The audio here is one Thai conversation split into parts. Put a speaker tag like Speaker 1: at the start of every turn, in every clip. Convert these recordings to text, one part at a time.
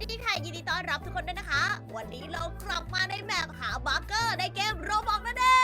Speaker 1: ดีค่ะยินดีต้อนรับทุกคนด้วยนะคะ วันนี้เรากลับมาในแมปหาบัคเกอร์ในเกมโรบอกนั่นเอง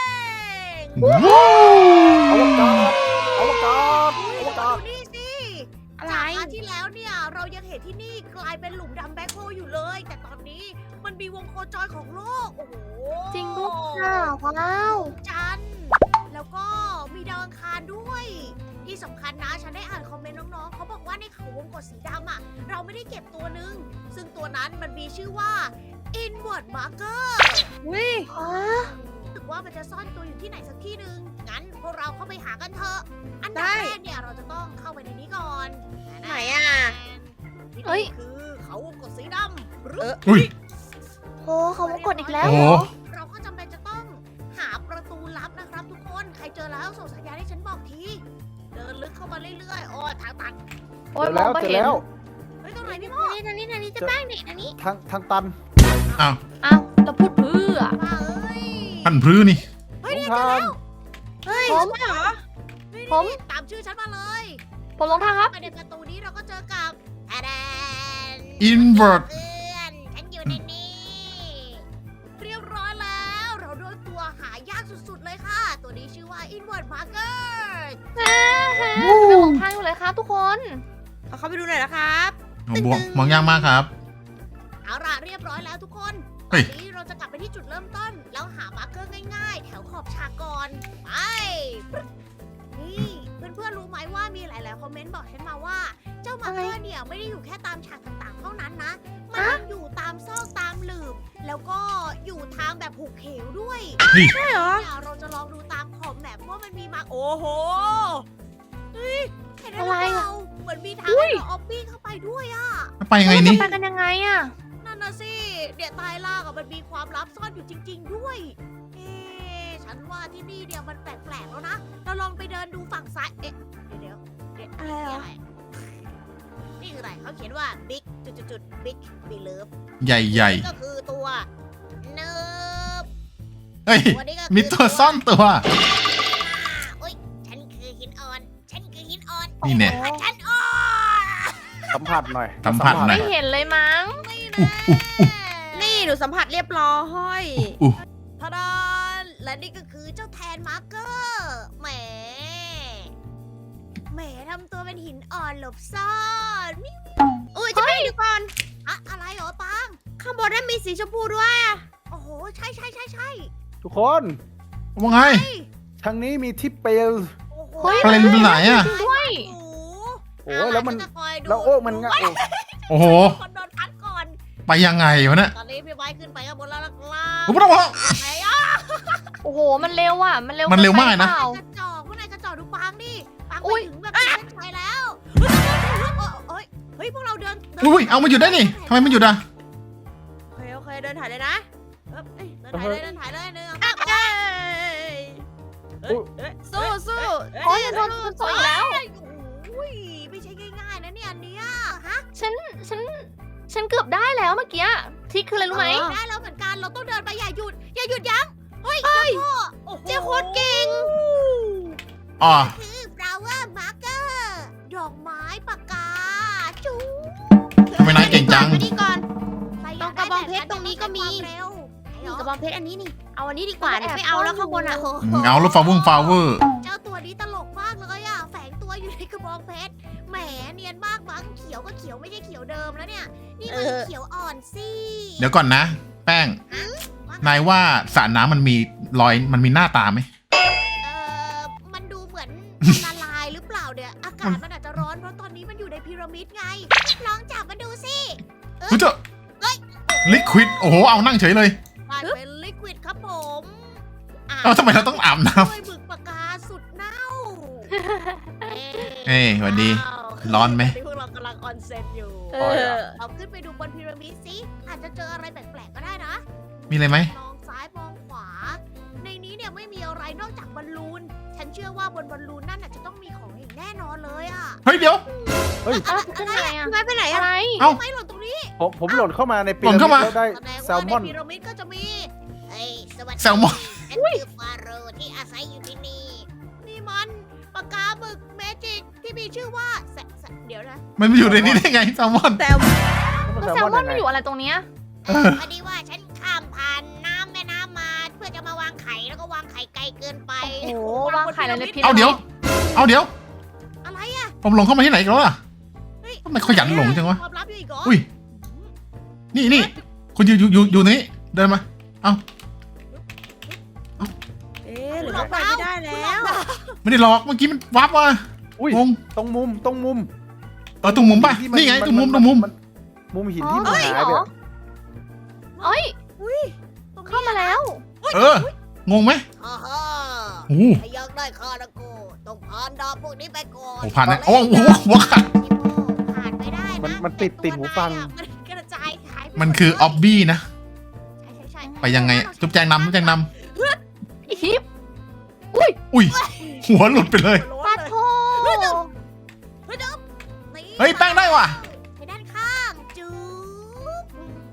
Speaker 2: อวกาศอวกาศอวกาศ
Speaker 1: ดูนี่สิ
Speaker 3: อะไร
Speaker 1: จากอาที่แล้วเนี่ยเรายังเห็นที่นี่กลายเป็นหลุมดำแบ็คโฮลอยู่เลย แต่ตอนนี้มันมีวงโคจรของโลก โอ้โห
Speaker 3: จริงด้วยค่ะว้าว
Speaker 1: จันทร์แล้วก็มีดาวอังคารด้วย ที่สำคัญนะฉันได้อ่านคอมเมนต์น้องๆเขาบอกว่าในเขาวงกตสีดำอ่ะเราไม่ได้เก็บตัวหนึ่งซึ่งตัวนั้นมันมีชื่อว่า inward marker
Speaker 3: วิ
Speaker 1: รู้สึกว่ามันจะซ่อนตัวอยู่ที่ไหนสักที่หนึ่งงั้นพวกเราเข้าไปหากันเถอะ อันดับแรกเนี่ยเราจะต้องเข้าไปในนี้ก่อน
Speaker 3: ไหนอ่ะ
Speaker 1: ที่
Speaker 3: เฮ้ย
Speaker 1: นี่คือเขาวงกตสีดำหรือ
Speaker 2: อุ้ย
Speaker 3: โอ้เขาวงกดอีกแล้ว
Speaker 2: โอ้
Speaker 3: เหรอ
Speaker 1: เราก็จำเป็นจะต้องหาประตูลับนะครับทุกคน ใครเจอแล้วส่งสัญญาณให้ฉันบอกที เดินลึกเข้ามาเรื่อยๆ โอ้ทางตัน
Speaker 3: โอ้ย
Speaker 2: เจอ
Speaker 3: มอ
Speaker 2: แล้วเจอ
Speaker 3: งไม่เห็น
Speaker 2: แล้ว
Speaker 1: เฮ้ยตรงไหนพี่โม
Speaker 3: นี่ทางนี้จะแป้งนี่ทางนี้
Speaker 2: ทางตัน
Speaker 3: อ้าวเราพูดเพื่อ
Speaker 1: มาเอ้ย
Speaker 4: พันพรื้นี่
Speaker 1: เฮ้ย
Speaker 2: ลง
Speaker 1: เนี่ยเจอ
Speaker 2: ทาง
Speaker 1: แล้ว
Speaker 3: เฮ้ยเหรอ
Speaker 1: นี่
Speaker 3: ผม
Speaker 1: นี่ตามชื่อฉันมาเลย
Speaker 3: ผมลงทางครับ
Speaker 1: ไปในประตูนี้เราก็เจอกับแอดแดน
Speaker 4: invert
Speaker 1: เพื่อนฉันอยู่ในนี้ เรียบร้อยแล้ว เราได้ตัวหายากสุดๆเลยค่ะ ตัวนี้ชื่อว่า inward marker
Speaker 3: ไม่หลงทางอยู่เลยครับทุกคน
Speaker 1: เอาเข้าไปดูหน่อยนะครับ
Speaker 4: มองยากมากครับ
Speaker 1: เอาล่ะเรียบร้อยแล้วทุกคนต
Speaker 4: เฮ้
Speaker 1: อย นนี้เราจะกลับไปที่จุดเริ่มต้น แล้วหามาร์เกอร์ง่ายๆ แถวขอบฉากก่อน ไปนี่เพื่อนๆรู้ไหมว่ามีหลายๆคอมเมนต์บอกฉันมาว่า เจ้ามาร์เกอร์เนี่ยไม่ได้อยู่แค่ตามฉากต่างๆ เท่านั้นนะ มันยังอยู่ตามซอกตามหลืบ แล้วก็อยู่ทางแบบหุบเหวด้วย
Speaker 3: ใช่เหรอ
Speaker 1: เนี่ยเราจะลองดูตามขอบแมปว่ามันมีมาโอ้โหเฮ้ยเห็นไหม
Speaker 3: อะไรอะ
Speaker 1: เราเหมือนมีทางให้เราออฟฟี่เข้าไปด้วยอะ
Speaker 4: ไปยังไง
Speaker 3: เรา
Speaker 4: นี่
Speaker 3: จะไปกันยังไงอ่ะ
Speaker 1: นั่นน่ะสิเดี๋ยวใต้ล่างอะมันมีความลับซ่อนอยู่จริง ๆ ด้วย เอ๊ะฉันว่าที่นี่เนี่ยมันแปลกๆแล้วนะ เราลองไปเดินดูฝั่งซ้าย เอ๊ะ เดี๋ยวนี่อะไรนี่คืออะไรเขาเขียนว่า big จุดๆ big believe
Speaker 4: ใหญ่
Speaker 1: นี่ก็คือตัวเนิบ
Speaker 4: ๆ เฮ้ย
Speaker 1: ตัวนี้ก็คือ
Speaker 4: มีตัวซ่อนตัว
Speaker 1: โอ๊ยฉันคือหินอ่อน ฉันคือหินอ่อน
Speaker 4: นี่แน่
Speaker 1: ฉันอ่อน
Speaker 2: สัมผัสหน่อย
Speaker 4: สัมผัสหน่
Speaker 3: ไม่
Speaker 4: อย
Speaker 3: เห็นเลยมั้ง
Speaker 1: นี่
Speaker 4: อุ๊
Speaker 1: นะ
Speaker 3: นี่หนูสัมผัสเรียบร้อย
Speaker 1: ทาดานและนี่ก็คือเจ้าแทนมาร์เกอร์แหมทำตัวเป็นหินอ่อนหลบซ่อนอุ้ยจะไปดูก่อนอะอะไรเหรอปังข้างบนนั้นมีสีชมพูด้วยอะโอ้โหใช่
Speaker 2: ทุกคน
Speaker 4: ว่าไง
Speaker 2: ทางนี้มีที่เปล
Speaker 1: โอ้โห
Speaker 3: เฮ้ย
Speaker 4: อะไรเป็นไหนอะ
Speaker 3: จริงด้วย
Speaker 1: โอ้โห
Speaker 2: โอ้ยแล้วมัน
Speaker 1: ฉัจะคอยดู
Speaker 2: แล้วโอ้มันง่าย
Speaker 4: โอ้โห
Speaker 1: คนโดนพัดก่อน
Speaker 4: ไปยังไงวะเนี่ย
Speaker 1: ตอนนี้พี่ไม้ขึ้นไปข้างบนแล้วล่ะ
Speaker 4: กูไม่ต้องบอก
Speaker 1: ไหนอ่ะ
Speaker 3: โอ้โหมันเร็วอ่ะมันเร็ว
Speaker 4: มันเร็วมากนะ
Speaker 3: เปล่
Speaker 1: กระจอกพวกนายกระจอกดูปังดิปัง
Speaker 3: อุ๊
Speaker 1: ไป
Speaker 3: ย
Speaker 1: ถึงแบบเส้นชัยแล้วเฮ้ยพวกเราเดิน
Speaker 4: อุ้ยเอามาหยุดได้นี่ทำไมมันหยุดอ่ะ
Speaker 1: โอเคเดินถ่ายเลยนะเดินถ่ายเลยหนึ่งสู้
Speaker 3: โอ้ยโดนโซอีกแล้ว
Speaker 1: อุ้ยไม่ใช่ง่ายๆนะเนี่ยอันเนี้ยฮะ
Speaker 3: ฉันเกือบได้แล้วเมื่อกี้ทริคคืออะไรรู้ไหม
Speaker 1: ได้แล้วเหมือนกันเราต้องเดินไปอย่าหยุดยั้งเฮ้ยเจ้าโคตรเก่ง
Speaker 4: อ๋อ
Speaker 1: คือ flower marker ดอกไม้ปากกาจู๊
Speaker 4: ทำไมนายเก่งจัง
Speaker 3: มานี่ก่อน
Speaker 1: ตรงกระบองเพชรตรงนี้ก็มี
Speaker 3: นี่กระบองเพชรอันนี้นี่ เอาอันนี้ดีกว่าไม่เอาแล้วข้างบนอ่ะ
Speaker 4: เอาแล้วฟาวเวอร์
Speaker 1: เจ้าตัวนี้ตลกมากเลยอ่ะแฝงตัวอยู่ในกระบองเพชรแหมเนียนมากมั้งเขียวก็เขียวไม่ใช่เขียวเดิมแล้วเนี่ยนี่มันเขียวอ่อนสิ
Speaker 4: เดี๋ยวก่อนนะ แป้ง นายว่าสระน้ำมันมีรอยมันมีหน้าตาไหม
Speaker 1: มันดูเหมือนละลายหรือเปล่าเนี่ยอากาศมันอาจจะร้อนเพราะตอนนี้มันอยู่ในพีระมิดไงลองจับมาดูสิ
Speaker 4: เฮ้ยเจ้าลิควิดโอ้โหเอานั่งเฉยเลย
Speaker 1: มันเป็นลิควิดครับผม
Speaker 4: เอาทำไมเราต้องอาบน้
Speaker 1: ด้วยหมึกปากกาสุดเน่า
Speaker 4: เอ้ยสวัสดี ร้อนไหม
Speaker 1: พวกเรากำลังออนเซ็นอยู่
Speaker 3: เอ
Speaker 1: เราขึ้นไปดูบนพีระมิดสิอาจจะเจออะไรแปลกๆก็ได้นะ
Speaker 4: มีอะไรไหม
Speaker 1: มองซ้ายมองขวา ในนี้เนี่ยไม่มีอะไรนอกจากบอลลูน ฉันเชื่อว่าบนบอลลูนนั่นน่ะจะต้องมีของอีกแน่นอนเลยอะ
Speaker 4: เฮ้ยเดี๋ยว
Speaker 3: อ้าวขึ้นยังไงอ่ะ
Speaker 1: ไม่ไปไหน
Speaker 3: อะไร
Speaker 1: ไม่หล่นตรงนี้
Speaker 2: ผมหล่นเข้ามาในปี
Speaker 4: หล่นเข้ามา
Speaker 2: แล้วได้
Speaker 1: แสดง
Speaker 2: แซ
Speaker 1: ว่า
Speaker 2: ลมอน
Speaker 1: ในพีระมิดก็จะมีเฮ้ยสวัสดี
Speaker 4: แซลมอน
Speaker 1: ฉันคือฟาโรห์ที่อาศัยอยู่ที่นี่ นี่มันปากกาหมึกเมจิกที่มีชื่อว่าเดี๋ยวนะ
Speaker 4: มันอยู่ในนี้ได้ไงแซลมอน
Speaker 1: แต่
Speaker 2: มัน
Speaker 3: แล้วแซลมอนมันอยู่อะไรตรงเนี้ย
Speaker 1: พอดีว่าฉันข้ามผ่านน้ำแม่น้ำมาเพื่อจะมาวางไข่แล้วก็วางไข่ไกลเกินไป
Speaker 3: โอ้โหวางไข่ในพิษ
Speaker 4: เอาเดี๋ยว
Speaker 1: อะไรอ่ะ
Speaker 4: ผมหลงเข้ามาที่ไหนอีกันแล้วล่ะ
Speaker 1: เฮ้ย
Speaker 4: ทำไมขยันหลงจังวะ
Speaker 1: ความลับอยู่อีกเหรอ
Speaker 4: อุ้ย นี่คุณอยู่นี้เดินมา
Speaker 5: หรือเราไปไม่ได้แล้ว
Speaker 4: ไม่ได้หลอกเมื่อกี้มันวับว่ะ
Speaker 2: อุ้ย
Speaker 4: งง
Speaker 2: ตรงมุม
Speaker 4: ตรงมุมป่ะ
Speaker 2: ที่
Speaker 4: นี่ไงตรงมุม
Speaker 2: มุมหินที่มันหายไป
Speaker 3: เหรอ
Speaker 2: อะ
Speaker 3: เอ้ย
Speaker 1: ตรงนี้
Speaker 3: เข้ามาแล้ว
Speaker 4: งงไหม
Speaker 1: ฮ่า
Speaker 4: โอ้โห
Speaker 1: ถ้าอยากได้คาราโกต้องผ่านดาวพวกนี้ไปก่อน
Speaker 4: โอ้ผ่านนะโอ้โหหัวขาด
Speaker 1: ผ่านไม่ได้นะ
Speaker 2: มันติดหูฟัง
Speaker 1: มันกระจายหายไป
Speaker 4: มันคือออบบี้นะ
Speaker 1: ใช่
Speaker 4: ไปยังไงจุ๊บแจงนำ
Speaker 3: อีฮิป
Speaker 4: อุ้ย หัวหลุดไปเลย
Speaker 3: ปาโท
Speaker 4: เฮ้ยแป้งได้ว่ะ
Speaker 1: ไปด้านข้างจุ๊บ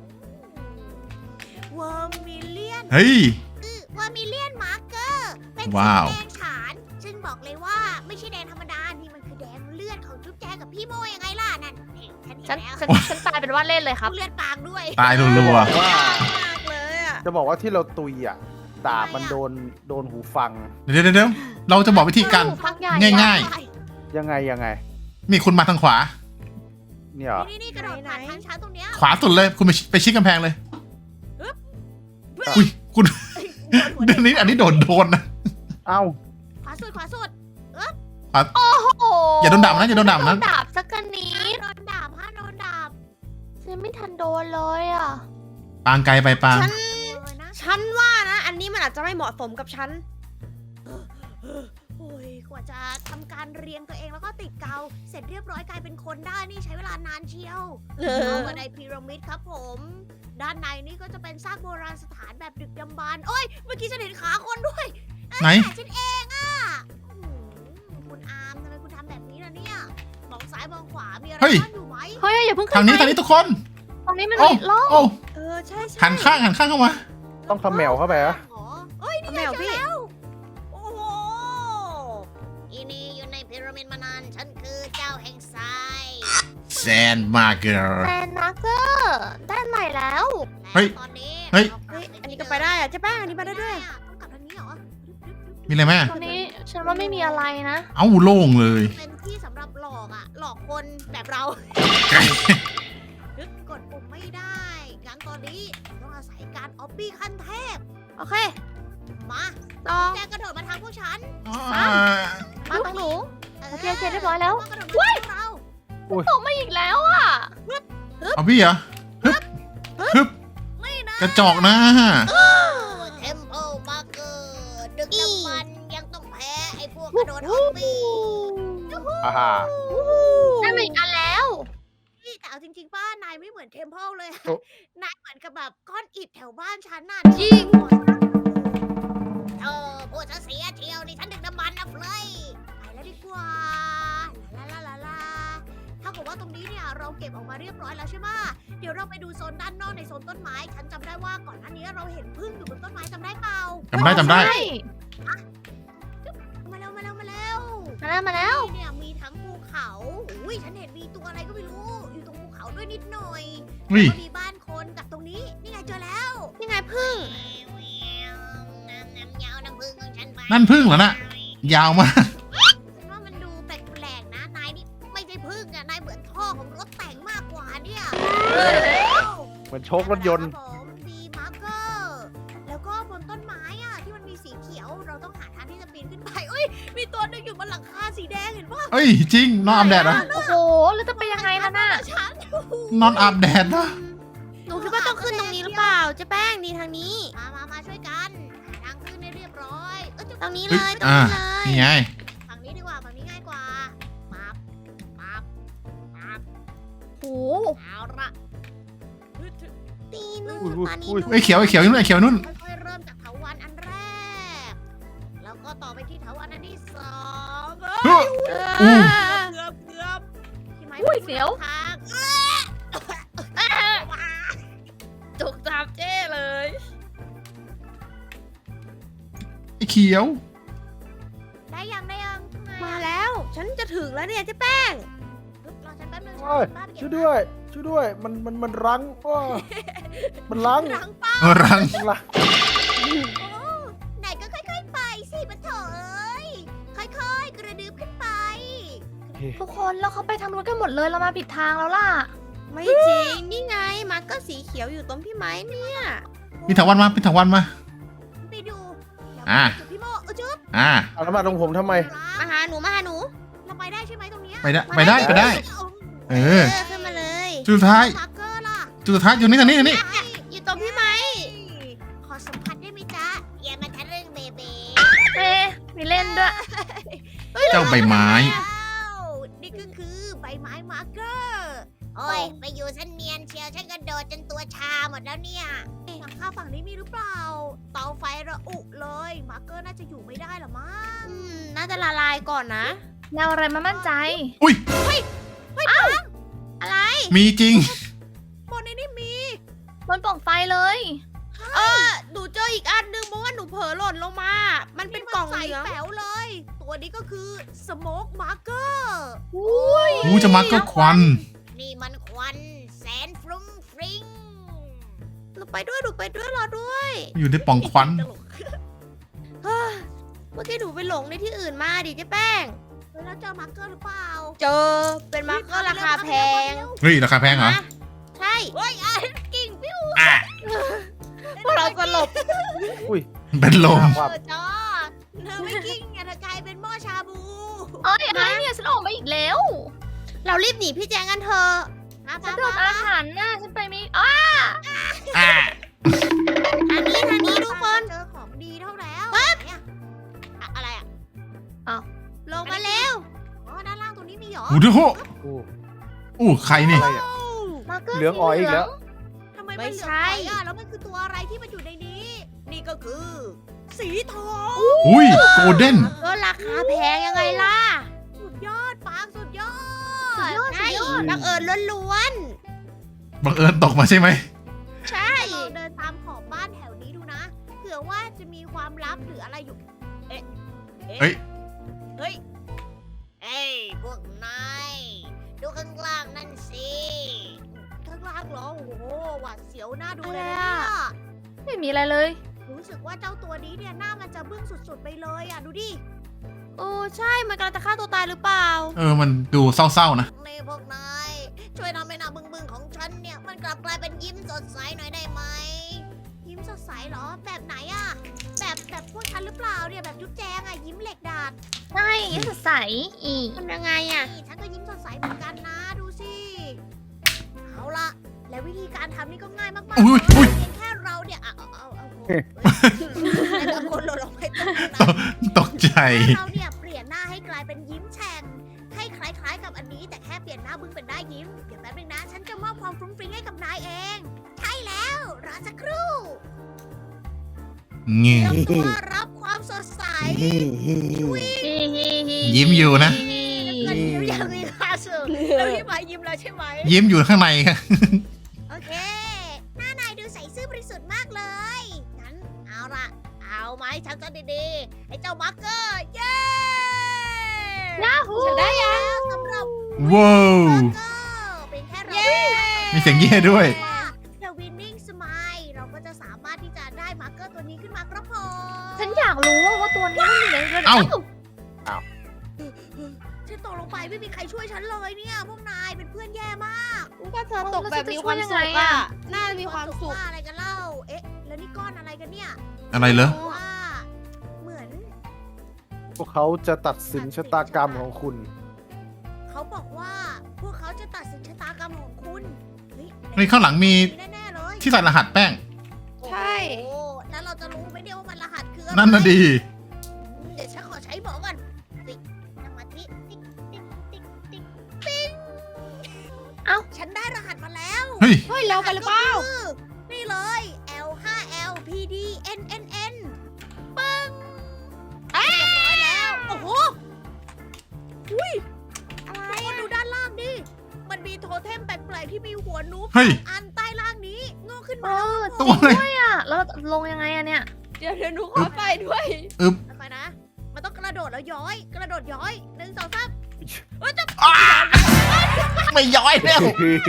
Speaker 1: วอร์มิเลียน
Speaker 4: เฮ้ย
Speaker 1: วอร์มิเลียนมาร์เกอร์เป็นสี
Speaker 4: ว้าว
Speaker 1: แดงฉานซึ่งบอกเลยว่าไม่ใช่แดงธรรมดา นี่มันคือแดงเลือดของจุ๊บแจงกับพี่โมยังไงล่ะนั่นนี่ฉันเห็
Speaker 3: ฉัน
Speaker 1: นแล้ว
Speaker 3: ฉันตายเป็นว่าเล่นเลยครับ
Speaker 1: เลือดปางด้วย
Speaker 4: ตายรัว
Speaker 2: ว่า
Speaker 5: มากเลยอ่ะ
Speaker 2: จะบอกว่าที่เราตุยอ่ะดาบมันโดนหูฟัง
Speaker 4: ๆเดี๋ยวเราจะบอกวิธีการ
Speaker 3: พักใหญ่
Speaker 4: ง่าย
Speaker 2: ยังไง
Speaker 4: มีคุณมาทางขวา
Speaker 2: เนี่ยเหรอ
Speaker 1: นี่กระโดดผ่านทางช้าตรงเนี้ย
Speaker 4: ขวาสุดเลย คุณไปชิดกำแพงเลย อุ้ย คุณเดี๋ยวนี้อันนี้โดนนะ
Speaker 2: เอ้า
Speaker 1: ขวาสุด
Speaker 3: โอ้โห
Speaker 4: อย่าโดนดาบนะอย่าโดนดาบนะ
Speaker 3: ดาบสักกันนี้
Speaker 1: โดนดาบโดนดาบ
Speaker 3: ฉันไม่ทันโดนเลยอ่ะ
Speaker 4: ปางไกลไปปาง
Speaker 1: เลยนะ
Speaker 5: ฉันว่านะ อันนี้มันอาจจะไม่เหมาะสมกับฉัน
Speaker 1: โอ้ยกว่าจะทำการเรียงตัวเองแล้วก็ติดเกาเสร็จเรียบร้อยกลายเป็นคนได้นี่ใช้เวลานานเชียว เข้ามาในพีระมิดครับผม ด้านในนี่ก็จะเป็นซากโบราณสถานแบบดึกดำบรรพ์โอ้ย เมื่อกี้ฉันเห็นขาคนด้วย
Speaker 4: ไหน
Speaker 1: แต่ฉันเองอ่ะคุณอาร์มทำไมคุณทำแบบนี้ล่ะเนี่ย มองซ้ายมองขวา มีอะไร
Speaker 4: เฮ้ย
Speaker 1: ซ่อนอยู่ไหม
Speaker 3: เฮ้ยอย่าเพิ่งขึ้
Speaker 4: ทาง
Speaker 3: น
Speaker 4: นี้
Speaker 3: ไป
Speaker 4: ทุกคน
Speaker 3: ตรงนี้มัน
Speaker 4: โอ้
Speaker 3: มีร่อง
Speaker 4: โอ้
Speaker 5: ใช่
Speaker 4: หันข้างเข้ามา
Speaker 2: ต้องเขมวเข้าไปอะ
Speaker 1: อ๋อเอ้ย นี่ไง
Speaker 5: แมว
Speaker 1: เจอ
Speaker 5: พี่
Speaker 1: แล้ว โอ้โหอีนี่อยู่ในพีระมิดมานาน ฉันคือเจ้าแห่งทราย
Speaker 4: แซนมาเกอร์
Speaker 3: แซนมาร์เกอร์ด้านไหนแล้ว
Speaker 4: เฮ้ย
Speaker 1: ตอนนี้
Speaker 4: เฮ้ย
Speaker 5: เฮ้ยอันนี้ก็ไปได้อะเจ๊แป้งอันนี้ไปได้ด้วย
Speaker 1: ต้องกลับทางนี้เหรอ
Speaker 4: มีอะไรไหม
Speaker 3: ตรงนี้ฉันว่าไม่มีอะไรนะ
Speaker 4: เอ้าโล่งเลย
Speaker 1: เป็นที่สำหรับหลอกอ่ะ หลอกคนแบบเรากดปุ่มไม่ได้งั้นตอนนี้ต้องอาศัยการออบบี้ขั้นเทพ
Speaker 5: โอเค
Speaker 1: มา
Speaker 5: ลอง
Speaker 1: แจกระโดดมาทางพวกฉัน
Speaker 3: มาตรงหนู โอเคเรียบร้อยแล้ว
Speaker 1: กระโดดมาทางเรา
Speaker 3: ตกมาอีกแล้วอ่ะ
Speaker 4: เอาพี่เหรอฮึบ
Speaker 1: ไม่นะ
Speaker 4: กระจอกนะ
Speaker 1: เทมเพลมาเกอร์ดึกดำบรรพ์ยังต้องแพ้ไอ้พวกกระโดดออบบี้
Speaker 2: อ่าฮะ
Speaker 3: ได้มาอีกอันแล้ว
Speaker 1: นี่แต่เอาจริงๆป้านายไม่เหมือนเทมเพลเลยอะ
Speaker 2: โอ้
Speaker 1: นายเหมือนกับแบบก้อนอิฐแถวบ้านฉันน่ะ
Speaker 5: จริง
Speaker 1: พูดซะเสียเที่ยวนี่ฉันดึกดำบรรพ์นะเฟลยไปแล้วดีกว่าลาถ้ากับว่าตรงนี้เนี่ยเราเก็บออกมาเรียบร้อยแล้วใช่ไหมเดี๋ยวเราไปดูโซนด้านนอกในโซนต้นไม้ ฉันจำได้ว่าก่อนหน้านี้เราเห็นพึ่งอยู่บนต้นไม้จำได้เปล่า
Speaker 4: จำได้
Speaker 3: ใช่
Speaker 1: มาเร็ว
Speaker 3: มาแล้ว
Speaker 1: นี่เนี่ยมีทั้งภูเขาอุ้ยฉันเห็นมีตัวอะไรก็ไม่รู้ อยู่ตรงภูเขาด้วยนิดหน่อย
Speaker 4: อุ้ย
Speaker 1: แล้วก็มีบ้านคนกับตรงนี้ นี่ไงเจอแล้ว
Speaker 5: นี่ไงพึ่ง
Speaker 1: น้ำยาวน้ำพึ่งของฉันไป
Speaker 4: นั่นพึ่งเหรอน่ะ ยาวมาก
Speaker 1: ฉันว่ามันดูแปลกๆนะ นายนี่ไม่ใช่พึ่งอะนายเหมือนท่อของรถแต่งมากกว่าเนี่ย
Speaker 2: เหมือนโชครถยนต์
Speaker 1: ครับผมมีมาร์เกอร์ แล้วก็บนต้นไม้อะที่มันมีสีเขียว เราต้องหาทางที่จะปีนขึ้นไปอุ้ย มีตัวหนึงอยู่บนหลังคาสีแดงเห็นปะ
Speaker 4: เอ้ย จริง นอนอาบแดดเหรอ
Speaker 3: โอ้โห แล้วจะไปยังไงล่ะน่ะ
Speaker 1: ฉัน
Speaker 4: นอนอาบแดดเหรอ
Speaker 5: หนูคิดว่าต้องขึ้นตรงนี้หรือเปล่าเจ๊แป้งนี่ทางนี้
Speaker 1: มาช่วยกันหาทางขึ้นให้เรียบร้อยจะ
Speaker 5: ตรงนี้
Speaker 4: เฮ้
Speaker 5: เลย ยตรงนี้เลย
Speaker 4: นี่ไง
Speaker 1: ฝั่งนี้ดีกว่าฝั่งนี้ง่ายกว่าปั๊บปั๊บ
Speaker 3: โห
Speaker 1: เอาละ
Speaker 5: ตีนู่น
Speaker 2: อุ้ย
Speaker 5: มานี่
Speaker 2: อุ้ย
Speaker 5: นู่น
Speaker 4: ไอ้ยเขียวนู่นไอ้เขียวนู่น
Speaker 1: ค่อยๆเริ่มจากเถาวัลย์อันแรก แล้วก็ต่อไปที่เถาวัลย์อันที่สอง
Speaker 4: อู้
Speaker 1: เกือบพี่ไม้
Speaker 3: อุ้ยเสียว
Speaker 1: ทาง
Speaker 5: จุกจับเจ้เลย
Speaker 4: ไอ้เขียว
Speaker 1: ได้ยัง
Speaker 5: มาแล้ว ฉันจะถึงแล้วเนี่ยเจ๊แป้ง
Speaker 1: รอฉันแป๊บนึง
Speaker 2: โอ้ย
Speaker 1: ฉันบ้าไปเก็บ
Speaker 2: ช่วยด้วย ช่ช่วยด้วยมันรั้งมันรั้ง
Speaker 1: รังป้า
Speaker 4: รัง
Speaker 2: มันรั้ง
Speaker 1: ไหนก็ค่อยๆไปสิปะโถเอ้ยค่อยๆกระดึบขึ้นไป
Speaker 3: ทุกคนแล้วเขาไปทางนู้นกันหมดเลยเรามาผิดทางแล้วล่ะ
Speaker 5: ไม่จริง นี่ไง มาร์คเกอร์สีเขียวอยู่ตรงพี่ไม้เนี่ย
Speaker 4: พี่ถาวันมาพี่ถาวันมา
Speaker 1: ไปดูเดี๋ยว
Speaker 4: อ่ะ
Speaker 1: ไปจุดพี่โมจุ๊บ
Speaker 2: เอาแล้วมาตรงผมทำไม
Speaker 5: มาหาหนูมาหาหนู
Speaker 1: เราไปได้ใช่ไหมตรงเนี้ย
Speaker 4: ไปได้ เออ
Speaker 5: ขึ้นมาเลย
Speaker 4: จุดสุดท้าย
Speaker 1: มาร์คเกอร์ล่ะ
Speaker 4: จุดสุดท้ายอยู่นี่ทางนี้
Speaker 5: อยู่ตรงพี่ไม้
Speaker 1: ขอสัมผัสได้ไหมจ๊ะอย่ามาทะลึ่งเบเบ้
Speaker 3: มีเล่นด้วย
Speaker 4: เจ้าใบไม้
Speaker 1: นี่ก็คือใบไม้มาร์คเกอร์โอ้ยไปอยู่ฉันเนียนเชียวฉันกระโดดจนตัวชาหมดแล้วเนี่ยฝั่งข้างฝั่งนี้มีหรือเปล่า เตาไฟระอุเลยมาร์คเกอร์น่าจะอยู่ไม่ได้หรอมั้ง
Speaker 5: น่าจะละลายก่อนนะ
Speaker 3: แนวอะไรมามั่นใจ
Speaker 4: อุ้ย
Speaker 5: อะไร
Speaker 4: มีจริง
Speaker 1: บนนี้มี
Speaker 3: บนปล่องไฟเลย
Speaker 5: หนูเจออีกอันนึงเพราะว่าหนูเผลอหล่นลงมา มันเป็นกล่อง
Speaker 1: ใส
Speaker 5: เหลือง
Speaker 1: แป๋วเลย ตัวนี้ก็คือสโมกมาร์เกอร์
Speaker 4: อู้จะมาก็ควัน
Speaker 1: นี่มันควันแสนฟรุ้งฟริ้ง
Speaker 5: หนูไปด้วยรอด้วย
Speaker 4: อยู่ในปล่องควัน
Speaker 1: ตลก
Speaker 5: เฮ้ยเมื่อกี้หนูไปหลงในที่อื่นมาดิเจ๊แป้ง
Speaker 1: แล้วเจอมาร์เกอร์หรือเปล่า
Speaker 5: เจอเป็นมาร์คเกอร์ราคาแพง
Speaker 4: เฮ้ยราคาแพงเหรอ
Speaker 5: นะใช่
Speaker 1: เฮ้ยกิ่งปิ้ว
Speaker 4: อ่ะ
Speaker 5: พวกเราสลบ
Speaker 4: เป็นลม
Speaker 1: เออจ้าเธอไม่กิ่งไงเธอกลายเป็นหม้อชาบู
Speaker 3: เอ้ยไอ้เนี่ยฉันออกมาอีกแล้ว
Speaker 5: เรารีบหนีพี่แจงกันเถอะ
Speaker 3: ฉันโดนอาถรรพ์น่ะฉันไปไม่อ้า
Speaker 4: อ่ะ
Speaker 5: ทางนี้ทุกคน
Speaker 1: เจอของดีเท่าแล้วไหนอะอะไรอะ
Speaker 5: ลงมาเร็ว
Speaker 1: อ๋อด้านล่างตรงนี้มีเหรอ
Speaker 4: อู้ดู
Speaker 2: โอ้
Speaker 4: อู้ใครนี่
Speaker 2: อะไรอ่ะ
Speaker 3: มาร์คเกอร์
Speaker 2: เหลืองอ๋อยอีกแล้ว
Speaker 1: ทำไมมัน
Speaker 5: ไม่
Speaker 1: เหลือง
Speaker 5: ใช่
Speaker 1: ไปอะแล้วมันคือตัวอะไรที่มันอยู่ในนี้ นี่ก็คือ สีทอง
Speaker 4: อุ้ยโกลเด้น
Speaker 5: ก็ราคาแพงยังไงล่ะ
Speaker 1: สุดยอดปางสุดยอด
Speaker 5: ใช่บังเอิญล้วน
Speaker 4: บังเอิญตกมาใช่ไหม
Speaker 5: ๆ ใช่
Speaker 1: เราเดินตามขอบบ้านแถวนี้ดูนะ เผื่อว่าจะมีความลับหรืออะไรอยู่
Speaker 4: เฮ้ย
Speaker 1: เฮ้ย เอ้ยพวกนาย ดูข้างล่างนั่นสิ ข้างล่างเหรอ โอ้โห หวาดเสียวน่าดูเลยนะเนี่ย
Speaker 3: ไม่มีอะไรเลย
Speaker 1: รู้สึกว่าเจ้าตัวนี้เนี่ยหน้ามันจะบึ้งสุดๆไปเลยอ่ะ ดูดิ
Speaker 5: โอ้ใช่ มันกำลังจะฆ่าตัวตายหรือเปล่า
Speaker 4: มันดูเศร้าๆนะ
Speaker 1: นี่พวกนาย ช่วยทำให้หน้าบึ้งๆของฉันเนี่ย มันกลับกลายเป็นยิ้มสดใสหน่อยได้ไหม ยิ้มสดใสเหรอ แบบไหนอ่ะ แบบพวกฉันหรือเปล่าเนี่ย แบบจุ๊บแจงอ่ะ ยิ้มเหล็กดาด
Speaker 3: ใช่ยังสดใสอีก
Speaker 5: ทำยังไงอ่ะ
Speaker 1: นี่ฉันก็ยิ้มสดใสเหมือนกันนะ ดูสิ เอาละและวิธีการทำนี่ก็ง่ายมากๆ
Speaker 4: อุ้ยอุ้ย
Speaker 1: เพียงแค่เราเนี่ยเอาแต่คนหล่นลงไปตรงนั้น
Speaker 4: ตกใจ
Speaker 1: เราเนี่ยเปลี่ยนหน้าให้กลายเป็นยิ้มแฉ่งให้คล้ายๆกับอันนี้ แต่แค่เปลี่ยนหน้าบึ้งเป็นหน้ายิ้ม เดี๋ยวแป๊บนึงนะ ฉันจะมอบความฟรุ้งฟริ้งให้กับนายเอง ใช่แล้วรอสักครู่
Speaker 4: เงี้ย
Speaker 1: เตรียมตัวรับความสดใส
Speaker 4: ยิ้มอยู่นะ
Speaker 1: เงินยิ้มยังมีค่าสุดแล้วพี่หมายยิ้มแล้วใช่ไหม
Speaker 4: ยิ้มอยู่ข้างในค่ะ
Speaker 1: โอเค หน้านายดูใสซื่อบริสุทธิ์มากเลย งั้นเอาล่ะ เอาไหมฉันจะดีๆไอ้เจ้ามาร์เกอร์ เย้
Speaker 3: ยาฮู
Speaker 1: ฉันได้แล้วสำหรับ
Speaker 4: ว้าว
Speaker 1: มาร์เกอร์เป็นแค่เรา
Speaker 4: มีเสียงเย่ด้วย
Speaker 1: The Winning Smile เราก็จะสามารถที่จะได้มาร์เกอร์ตัวนี้ขึ้นมาครับผม
Speaker 3: ฉันอยากรู้ว่าตัวนี้มันอยู่ในเรือ
Speaker 4: เอ้า
Speaker 1: ฉันตกลงไปไม่มีใครช่วยฉันเลยเนี่ย พวกนายเป็นเพื่อนแย่มาก
Speaker 5: ก็เธอตกแบบมีความสุขอ่ะ น่าจะมีความสุข
Speaker 1: ว่าอะไรกันเล่า เอ๊ะ แล้วนี่ก้อนอะไรกันเนี่ย
Speaker 4: อะไรเหรอ
Speaker 1: ว่าเหมือน
Speaker 2: พวกเขาจะตัดสินชะตากรรมของคุณ
Speaker 1: เขาบอกว่าพวกเขาจะตัดสินชะตากรรมของคุณ
Speaker 4: เฮ้ยข้างหลังมี
Speaker 1: แน่ๆเลย
Speaker 4: ที่ใส่รหัสแป้ง
Speaker 5: ใช่
Speaker 1: โอ้โหแล้วเราจะรู้ไหมเนี่ยว่ามันรหัสคืออะไร
Speaker 4: นั่นน่ะดี
Speaker 1: เดี๋ยวฉันขอใช้หมอก่อนติ๊กสมาธิติ๊กติ๊กติ๊กติ๊กปิ๊ง
Speaker 3: เอ้า
Speaker 1: ฉันได้รหัสมาแล้ว
Speaker 4: เฮ้ย
Speaker 5: เฮ้ยเราไปหรือเปล่า
Speaker 1: ก็คือนี่เลย L5LPDNNN ปึ้งเรียบร้อยแล้ว โอ้โหอุ้ยอะไรดูด้านล่างดิ มันมีโทเทมแปลกๆที่มีหัวนูบ
Speaker 4: เฮ้ย
Speaker 1: อันใต้ล่างนี้งอกขึ้น
Speaker 3: เอ
Speaker 1: มา
Speaker 3: อ
Speaker 4: ตัวอะไร
Speaker 3: ด้วยอ่ะแล้วลงยังไงอะเนี่ย
Speaker 5: เดี๋ยวหนูขอไปด้วย
Speaker 1: ไปนะ มันต้องกระโดดแล้วย้อย กระโดดย้อย1 2 3
Speaker 4: อ้าไม่ย้อยแล้ว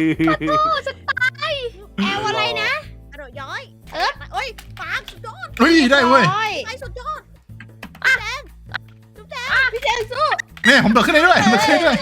Speaker 5: แอลอะไรนะ
Speaker 1: กระโดดย้อย
Speaker 5: เอิร์ธ
Speaker 1: เอ้ยปางสุดยอด
Speaker 4: เฮ้ยได้เว้ย
Speaker 5: ร้อ
Speaker 1: ไปสุดยอดแดงจุ๊บแดง
Speaker 5: พี่แจงสู้
Speaker 4: เนี่ยผมโดดขึ้นได้ด้วยผมโดดขึ้นได้ด้วย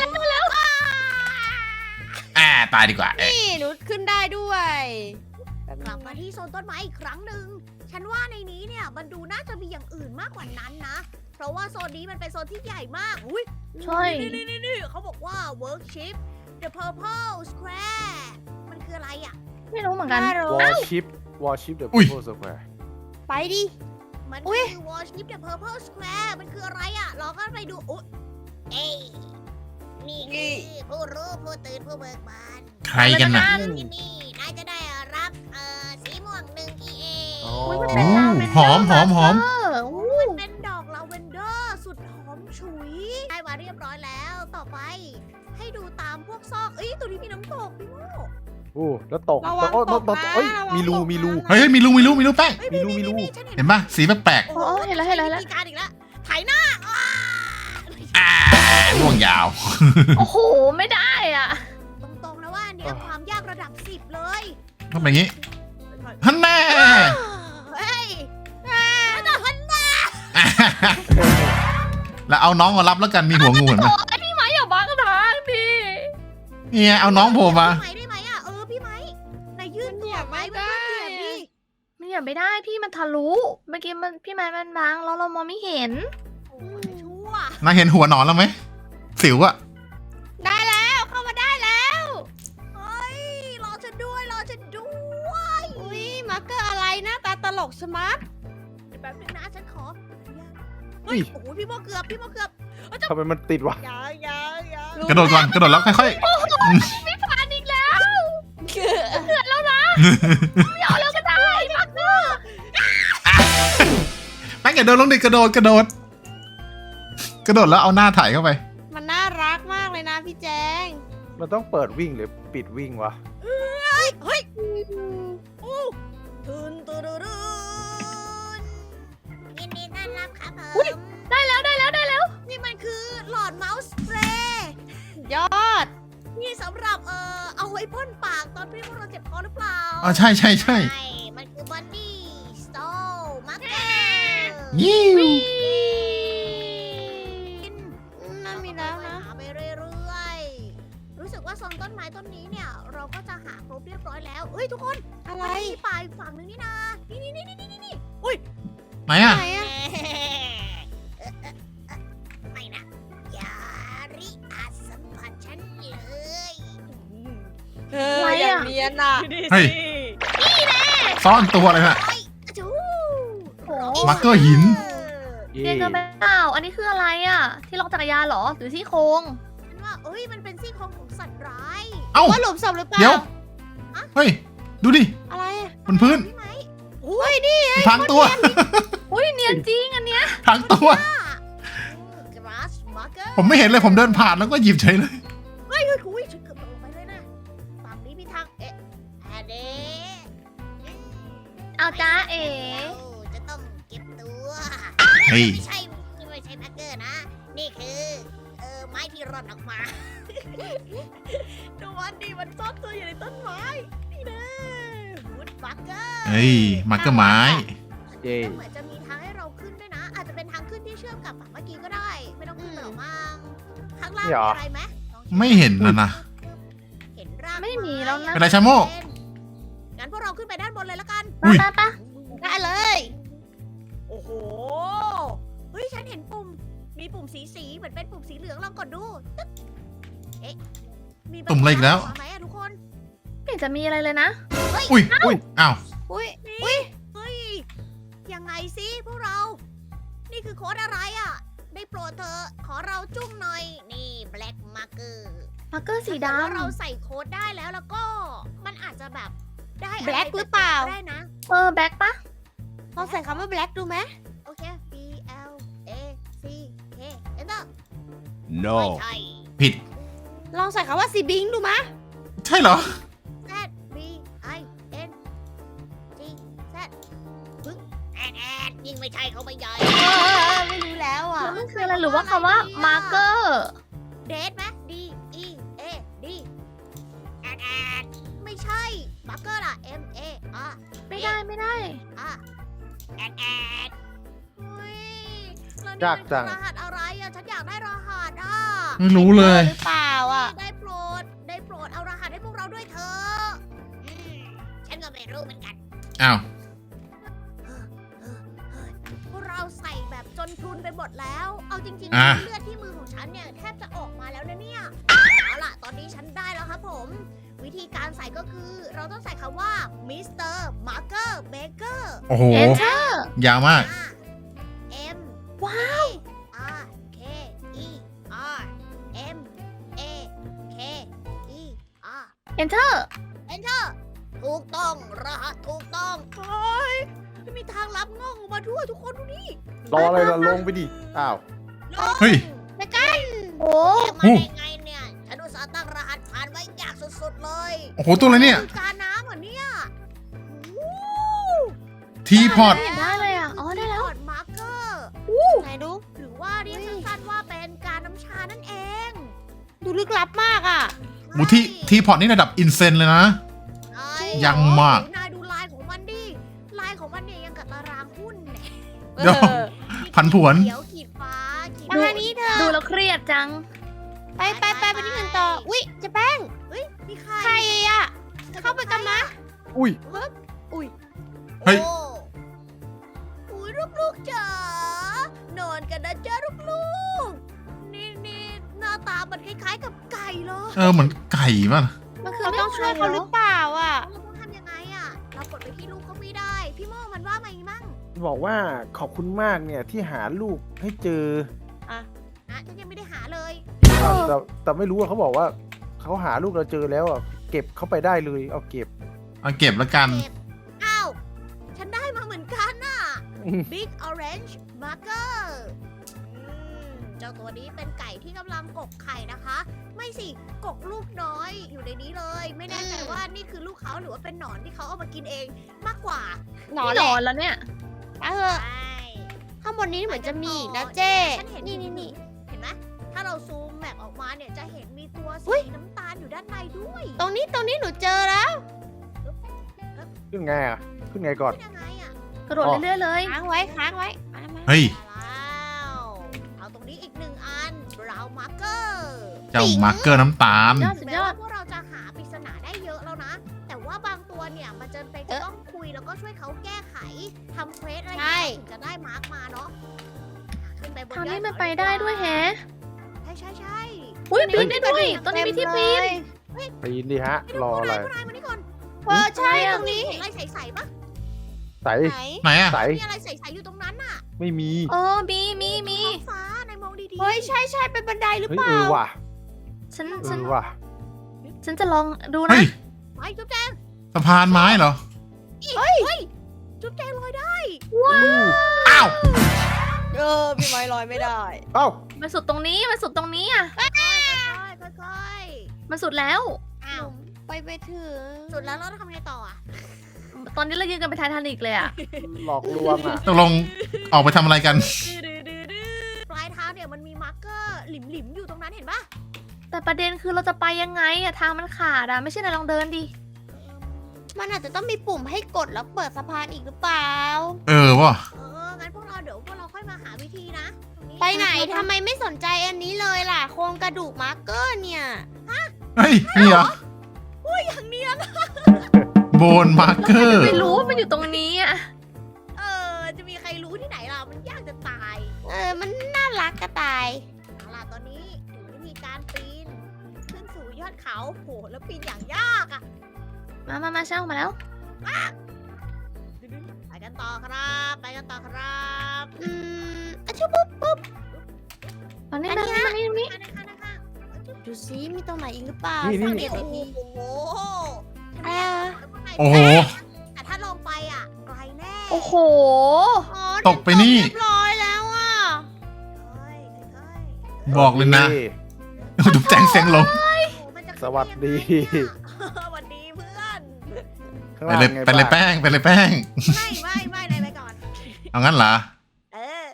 Speaker 4: ตายดีกว่า
Speaker 5: นี่หนูขึ้นได้ด้วย
Speaker 1: กลับมาที่โซนต้นไม้อีกครั้งหนึ่งฉันว่าในนี้เนี่ยมันดูน่าจะมีอย่างอื่นมากกว่านั้นนะ เพราะว่าโซนนี้มันเป็นโซนที่ใหญ่มากอุ้ย
Speaker 3: ใช่
Speaker 1: นี่เขาบอกว่า workship the purple square มันคืออะไรอ่ะ
Speaker 3: ไม่รู้เหมือนกัน
Speaker 5: น่ารู้
Speaker 2: วอร์ชิปเดอะ
Speaker 4: อุ้ย
Speaker 2: พีเพิลสแควร์
Speaker 5: ไปดิ
Speaker 1: มัน
Speaker 5: อุ๊
Speaker 1: คื
Speaker 5: ย
Speaker 1: อ worship the purple square มันคืออะไรอ่ะลองกันไปดูอุ๊ยเอ้ยนี่คือผู้รู้ผู้ตื่นผู้เบิกบาน
Speaker 4: ใครกันน่ะ
Speaker 1: ที่นี่นายจะได้รับสีม่วง1 EA
Speaker 2: อ๋อ
Speaker 3: อุ๊ยมัน
Speaker 4: โอ้
Speaker 3: เป็น
Speaker 4: หอมหอมหอม
Speaker 1: มันเป็นดอกลาเวนเดอร์สุดหอมฉุยได้มาเรียบร้อยแล้วต่อไป ให้ดูตามพวกซอกเอ้ยตัวนี้มีน้ำตกพี่โม
Speaker 2: โอ้แล้วตก
Speaker 5: ระวัง
Speaker 2: โอ้
Speaker 5: ตกนะ
Speaker 2: เอ้ย
Speaker 5: ระวัง
Speaker 2: มีรู
Speaker 5: ตกนะ
Speaker 2: มีรู
Speaker 4: เฮ้ยมีรูแป้ง
Speaker 1: เอ้ย
Speaker 2: มีรู
Speaker 1: ฉัน
Speaker 4: เห็นปะสีแปลก
Speaker 3: โอ้เห็นแล้ว
Speaker 1: มีการอีกแล้วไถหน้า
Speaker 4: ล่วงยาว
Speaker 3: โอ้โห ไม่ได้อ่ะ
Speaker 1: ตรงๆแล้วว่าอันเนี้ยความยากระดับ10เลย
Speaker 4: ต้องเป็นอย่างนี้ฮันแน่
Speaker 1: เฮ้ยแล้วก็หันหน้า
Speaker 4: แล้วเอาน้องมารับแล้วกันมีหัวงูเห็นไหม
Speaker 3: โอ้ยพี่ไม้อย่าบังทางดิ
Speaker 4: เนี่ยเอาน้องโผล่มา
Speaker 1: พี่ไม้ได้ไหมอ่ะพี่ไม้นายยื่นตัวไม้เพื่อนๆเหยียบดิ
Speaker 3: มันอย่าไม่ได้พี่มันทะลุเมื่อกี้มันพี่ไม้มันบังแล้วเรามองไม่เห็น
Speaker 1: โอ้ยชั่ว
Speaker 4: นายเห็นหัวหนอนแล้วไหมสิวอะ
Speaker 5: ได้แล้วเข้ามาได้แล้ว
Speaker 1: เฮ้ยรอฉันด้วย
Speaker 5: อุ้ยมาร์เกอร์อะไรหน้าตาตลกสมาร์ท
Speaker 1: เดี๋ยวแป๊บนึงนะฉันขอเฮ้ยโอ้โหพี่โมเกือบ
Speaker 2: ทำไมมันติดวะ
Speaker 1: ยัง
Speaker 4: กระโดดก่อนกระโดดแล้วค่อย
Speaker 3: ผ่านอีกแล้วเดือดแล้วนะไม่เอาแล้วก็ได้มักเนอร์
Speaker 4: ๆแป้งอย่าเดินลงดิกระโดดแล้วเอาหน้าถ่ายเข้าไป
Speaker 5: มันน่ารักมากเลยนะพี่แจง
Speaker 2: มันต้องเปิดวิ่งหรือปิดวิ่งวะ
Speaker 1: เฮ้ยอู้ทุนยินดีต้อนรับครับผม
Speaker 3: ได้แล้ว
Speaker 1: นี่มันคือหลอดเมาส์สเปรย์
Speaker 5: ยอด
Speaker 1: นี่สำหรับเอาไว้พ่นปากตอนที่พวกเราเจ็บคอหรือเปล่า
Speaker 4: อ๋อใช่
Speaker 1: มันคือบันนี่สโตมาร์เกอร์
Speaker 4: ยิ้ว
Speaker 5: นั่นมีแล้วนะ
Speaker 1: หาไปเรื่อยๆ รู้สึกว่าโซนต้นไม้ต้นนี้เนี่ย เราก็จะหาครบเรียบร้อยแล้วเฮ้ยทุกคน
Speaker 5: อะไร
Speaker 1: มันมีป่าอีกฝั่งหนึงนี่นะนี่
Speaker 4: ไหนอะ
Speaker 5: ไหนอะ
Speaker 1: ไม่นะอย่าริอาจสัมผัสฉันเลย
Speaker 3: อะไร
Speaker 5: อย่า
Speaker 3: อะ
Speaker 5: เนียนอ่ะ
Speaker 4: เฮ้ยซ่อนตัวอะไรน่ะ
Speaker 1: โอ้ยอะจู
Speaker 3: โอ้โห
Speaker 4: มาร์เกอร์หิน
Speaker 2: เย่
Speaker 3: เรียนกันไปเปล่าอันนี้คืออะไรอ่ะ ที่ล็อกจักรยานเหรอหรือที่โครง
Speaker 1: ฉันว่ามันเป็นซี่โครงของสัตว์ร้าย
Speaker 4: เอ้า
Speaker 5: ว่าหลุมศพหรือเปล่า
Speaker 4: เดี๋ยว เฮ้ยดูดิ
Speaker 5: อะไรอะ
Speaker 4: บนพื้น
Speaker 1: พี่ไหม
Speaker 5: อุ้ยนี่
Speaker 4: พังตัว
Speaker 3: อุ้ยเนียนจริงอันเนี้ย
Speaker 4: พังตัว
Speaker 1: กราสมาร์เกอร์
Speaker 4: ผมไม่เห็นเลยผมเดินผ่านแล้วก็หยิบเฉยเลย
Speaker 1: เฮ้ยฉันเกือบตกลงไปเลยนะฝั่งนี้มีทางอันนี้
Speaker 3: เอาจ้าเอ๋
Speaker 1: จะต้องเก็บตัว
Speaker 4: เฮ้ย
Speaker 1: ไม่ใช่มาร์เกอร์นะ นี่คือไม้ที่ร่อนออกมา ดูวันดีมันซ่อนตัวอยู่ในต้นไม้นี่นะวูดมาร์เกอร์
Speaker 4: เฮ้ยมาร์เกอร์ไม้
Speaker 2: เย่
Speaker 1: เหมือนจะมีทางให้เราขึ้นด้วยนะ อาจจะเป็นทางขึ้นที่เชื่อมกับฝั่งเมื่อกี้ก็ได้ ไม่ต้องขึ้นไปหรอกมั้งข้างล่างมีอะไรไหมลองเช็ค
Speaker 4: ไม่เห็นนะ
Speaker 1: เห็นร่าง
Speaker 3: ไม่มีแล้วนะ
Speaker 4: เป็นไรชาโม
Speaker 1: งั้นพวกเราขึ้นไปด้านบนเลยละกัน
Speaker 4: อุ้ย
Speaker 3: ปะ
Speaker 5: ได้เลย
Speaker 1: โอ้โห เฮ้ย ฉันเห็นปุ่ม มีปุ่มสีเหมือนเป็นปุ่มสีเหลืองลองกดดูตึ๊กเอ๊ะ มีบ
Speaker 4: ปุ่มอะไรอีกแล้ว
Speaker 1: ไหมอะทุกคน
Speaker 3: ไม่เห็นจะมีอะไรเลยนะ
Speaker 4: อุ้ยอ้าว
Speaker 5: อุ้ย
Speaker 1: เฮ้ย ยังไงสิพวกเรา นี่คือโค้ดอะไรอ่ะ ได้โปรดเธอะขอเราจุ้งหน่อย นี่ black marker
Speaker 3: มาร์เกอร์สี
Speaker 1: ถ้าเกิว่าเรา
Speaker 3: ดำ
Speaker 1: ใส่โค้ดได้แล้วก็ มันอาจจะแบบได้ะไ
Speaker 5: Black หรือเปล่า
Speaker 1: ได้นะ
Speaker 3: แบ็คปะ
Speaker 5: ลองใส่คำว่าแบล็กดูไหม
Speaker 1: โอเค B L A C K enter
Speaker 2: no
Speaker 1: ไม่ใช่
Speaker 4: ผิด
Speaker 5: ลองใส่คำว่าซีบิงดูไหม
Speaker 4: ใช่เหรอ
Speaker 1: Z B I N G Z ปึ๊งแอดยิ่งไม่ใช่เขาไม่ใหญ่
Speaker 5: ไม่รู้แล้วอ่ะ
Speaker 3: มันคืออะไรหรือว่าคำว่ามาร์เกอร์
Speaker 1: เดทไหม D E A D อ่ะ
Speaker 3: ไม่ได้ไม่ได้
Speaker 1: อ่ะแอดอุ้ยแล้วนี่
Speaker 2: ยากจัง
Speaker 1: มันคือรหัสอะไรอ่ะฉันอยากได้รหัสอ่ะ
Speaker 4: ไม่รู้เลย
Speaker 5: หรือเปล่าอ่ะ
Speaker 1: ได้โปรดเอารหัสให้พวกเราด้วยเถอะอืมฉันก็ไม่รู้เหมือนกัน
Speaker 4: อ้าว
Speaker 1: พวกเราใส่แบบจนพรุนไปหมดแล้ว เอาจริง
Speaker 4: อ่ะ
Speaker 1: ๆเลือดที่มือของฉันเนี่ยแทบจะออกมาแล้วนะเนี่ย เอาล่ะ ตอนนี้ฉันได้แล้วครับผม วิธีการใส่ก็คือเราต้องใส่คำว่ามิสเตอร์มาร์เกอร์เบเกอร์
Speaker 4: โอ้โห
Speaker 3: Enter
Speaker 4: ยาวมาก
Speaker 1: M
Speaker 5: ว้าว
Speaker 1: R K E R M A K E R
Speaker 3: Enter
Speaker 1: Enter ถูกต้องรหัสถูกต้องเฮ้ยไม่มีทางลับงอกออกมาด้วยทุกคนดูนี่
Speaker 2: รออะไรล่ะลงไปดิ อ้าว
Speaker 4: เฮ้ย
Speaker 1: ไปกัน
Speaker 5: โอ้
Speaker 1: แกมาได้ไงเนี่ย ฉันอุตส่าห์ตั้งรหัสผ่านไว้ยากสุดๆเลย
Speaker 4: โอ้โห ตัวอะไรเนี่ย
Speaker 1: คือการน้ำเหรอเนี่ยวู้
Speaker 4: ทีพอต
Speaker 3: ไม่เห็นได้เลยอ่ะ อ๋อได้แล้ว
Speaker 1: พอร์ตมาร์เกอร์
Speaker 5: ไหนดู
Speaker 1: หรือว่าเรียกสั้นๆว่าเป็นการน้ำชานั่นเอง
Speaker 5: ดูลึกลับมากอ่ะ
Speaker 4: โอ้ทีพอตนี่ระดับอินเซนเลยนะ
Speaker 1: ใช่
Speaker 4: ยังมาก
Speaker 1: นายดูลายของมันดิ ลายของมันเนี่ยยังกับตารางหุ้นเนี่ย
Speaker 4: เดี๋ยว ผันผวน
Speaker 1: เขียวขีดฟ้าขีด
Speaker 5: มาทางนี้เธอ
Speaker 3: ดูแล้วเครียดจัง
Speaker 5: ไปที่อื่นต่อ อุ๊ยเจะแป้ง
Speaker 1: เฮ้ยมีใคร
Speaker 5: ใครอ่ะ เข้าไปกันมะ
Speaker 2: อุ้ย
Speaker 4: เฮ้ย
Speaker 1: โอุ้ยลูกๆจ๋านอนกันนะจ๊ะลูกๆนี่หน้าตามันคล้ายๆกับไก่เลย
Speaker 4: เออเหมือนไก่ป่ะ
Speaker 3: มันคือ
Speaker 5: เราต้องช่วยเขาหรือเปล่าอ่ะ
Speaker 1: เราต้องทำยังไงอะเรากดไปที่ลูกเขาไม่ได้ พี่โม่มันว่าไงมั่ง
Speaker 2: บอกว่าขอบคุณมากเนี่ยที่หาลูกให้เจอ
Speaker 1: นะฉันยังไม่ได้หาเลย
Speaker 2: แต่ไม่รู้ว่าเขาบอกว่าเขาหาลูกเราเจอแล้วอ่ะเก็บเข้าไปได้เลยเอาเก็บ
Speaker 4: เอาเก็บแล้วกัน
Speaker 1: เก็บอ้าว ฉันได้มาเหมือนกันน่ะ Big Orange Marker เจ้าตัวนี้เป็นไก่ที่กำลังกกไข่นะคะ ไม่สิ กกลูกน้อยอยู่ในนี้เลย ไม่แน่ใจว่านี่คือลูกเขาหรือว่าเป็นหนอนที่เขาเอามากินเองมากกว่า
Speaker 5: หนอน
Speaker 3: ห
Speaker 5: แห
Speaker 3: น
Speaker 5: ละ
Speaker 3: อนแล้วเนี่ย
Speaker 5: ไปเถอะ
Speaker 1: ใช่
Speaker 5: ข้างบนนี้เหมือนจะมีอีกนะเจ้
Speaker 1: ฉันเห็น
Speaker 5: นี่
Speaker 1: เห็นไหม ถ้าเราซูมแมปออกมาเนี่ยจะเห็นมีตัว
Speaker 5: อุ๊
Speaker 1: สี
Speaker 5: ย
Speaker 1: น้ำตาลอยู่ด้านในด้วย
Speaker 5: ตรงนี้หนูเจอแล้ว
Speaker 2: ขึ้นไงอ่ะ ขึ้นไงก่อน
Speaker 1: เป็นยังไงอะ
Speaker 3: กระโดดเรื่อยๆเลย
Speaker 5: ค้างไว้มา
Speaker 4: เฮ้ย
Speaker 1: แล้วเอาตรงนี้อีกหนึ่งอัน Brown Marker
Speaker 4: เจ้ามาร์เกอร์น้ำตาล
Speaker 3: ยอดสุด
Speaker 1: แม้
Speaker 3: ยอ
Speaker 1: ว่า
Speaker 3: ด
Speaker 1: พวกเราจะหาปริศนาได้เยอะแล้วนะ แต่ว่าบางตัวเนี่ยมันจะเป็นจะต้องคุยแล้วก็ช่วยเขาแก้ไขทำเควสอะไรอย่างเงี้ยถึงจะได้มาร์กมาเนาะขึ้นไปบน
Speaker 3: ทาง
Speaker 1: ยอ
Speaker 3: นี้
Speaker 1: ด
Speaker 3: มัน
Speaker 1: เขา
Speaker 3: ไปได้ด้วยแฮะ
Speaker 1: ใช่
Speaker 3: อุ้ยปีนได้ด้วยตอนนี้มีที่ปีน
Speaker 2: ปีนดิฮะ รออะไร
Speaker 1: พวกนายมานี่ก่อน
Speaker 5: ใช่
Speaker 3: อะไรอะ
Speaker 5: ตรงนี้
Speaker 1: เห็นอะไรใสๆปะ
Speaker 2: ใส
Speaker 5: ไหน
Speaker 4: ไหนอะ
Speaker 2: ใส
Speaker 1: มีอะไรใสๆอยู่ตรงนั้นน่ะ
Speaker 2: ไม่มี
Speaker 3: เออมี
Speaker 1: ท้องฟ้านายมองดีๆ
Speaker 5: เฮ้ยใช่เป็นบันไดหรือ
Speaker 2: เฮ้ย
Speaker 5: เปล่า
Speaker 2: ว่ะ
Speaker 3: ฉัน
Speaker 2: เออว่ะ
Speaker 3: ฉันจะลองดู
Speaker 4: เฮ้
Speaker 3: นะ
Speaker 4: ย
Speaker 1: ไปจุ๊บแจง
Speaker 4: สะพานไม้เหรอ
Speaker 1: จุ๊บแจงลอยได้
Speaker 4: อ้าว
Speaker 5: พี่ไม้ลอยไม่ได้
Speaker 2: เอ้า
Speaker 3: มันสุดตรงนี้มันสุดตรงนี้อ่ะ
Speaker 1: ค่อย
Speaker 3: มันสุดแล้ว
Speaker 1: ๆอ้าว
Speaker 5: ไปถึง
Speaker 1: สุดแล้วเราต้องทำไงต่ออ่ะ
Speaker 3: ตอนนี้เรายืนกันเป็นไททานิกเลยอ่ะ
Speaker 2: หลอกลวงอ่ะ
Speaker 4: ตกลงออกไปทำอะไรกัน
Speaker 1: ปลายเท้าเนี่ยมันมีมาร์กเกอร์หลิมๆอยู่ตรงนั้นเห็นปะ
Speaker 3: แต่ประเด็นคือเราจะไปยังไงอะทางมันขาดอะไม่ใช่นายลองเดินดิ
Speaker 5: มันอาจจะต้องมีปุ่มให้กดแล้วเปิดสะพานอีกหรือเปล่า
Speaker 4: เออว่ะ
Speaker 1: งั้นพวกเราเดี๋ยวพวกเราค่อยมาหาวิธีนะตรงนี้
Speaker 5: ไปไหนทำไมไม่สนใจอันนี้เลยล่ะ โครงกระดูกมาร์กเกอร์เนี่ย
Speaker 4: เฮ้ย นี่เหรอ
Speaker 1: อย่างเนี้ยนะ
Speaker 4: โบนมาร์เกอร์
Speaker 3: ไม่รู้ว่ามันอยู่ตรงนี้อะ
Speaker 1: จะมีใครรู้ที่ไหนล่ะ มันยากจะตาย
Speaker 5: มันน่ารักกระต่าย
Speaker 1: เอาล่ะตอนนี้ถึงวิธีการปีน ขึ้นสู่ยอดเขาโหแล้วปีนอย่างยากอ่ะ
Speaker 3: มาเช่ามาแล้ว
Speaker 1: ไปกันต่อครับ ไปกันต่อครับ
Speaker 5: อะชุบปุ๊บ
Speaker 3: ตอนนี้
Speaker 5: อัน
Speaker 3: มา
Speaker 5: นี้
Speaker 3: ตรงนี้
Speaker 1: ข้างๆ
Speaker 5: ดูซิมีตรงไหนอีกหรือเปล่า
Speaker 2: นี่
Speaker 5: สัง
Speaker 2: นี่
Speaker 5: เกต
Speaker 1: โอ้
Speaker 5: ดี
Speaker 1: โห
Speaker 5: อะไรอะ
Speaker 4: โอ้โห
Speaker 1: แต่ถ้าลงไปอ่ะไกลแน่
Speaker 3: โอ้โห
Speaker 5: อ๋อ
Speaker 4: ตกไปนี่
Speaker 5: เรียบร้อยแล้วอ่ะ
Speaker 1: ค่อย
Speaker 4: บอกเลยนะดูแจ้งเสียงลง
Speaker 2: สวัสดี
Speaker 1: สวัสดีเพื่อน
Speaker 2: ข้าง
Speaker 4: ไป
Speaker 2: ล่าง
Speaker 4: เลย
Speaker 2: ไง
Speaker 4: ไปเลย
Speaker 2: บ้าง
Speaker 4: แป้ง ไปเลยแป้ง
Speaker 1: ไม่นายไปก่อน
Speaker 4: เอางั้นเหรอ
Speaker 1: เออ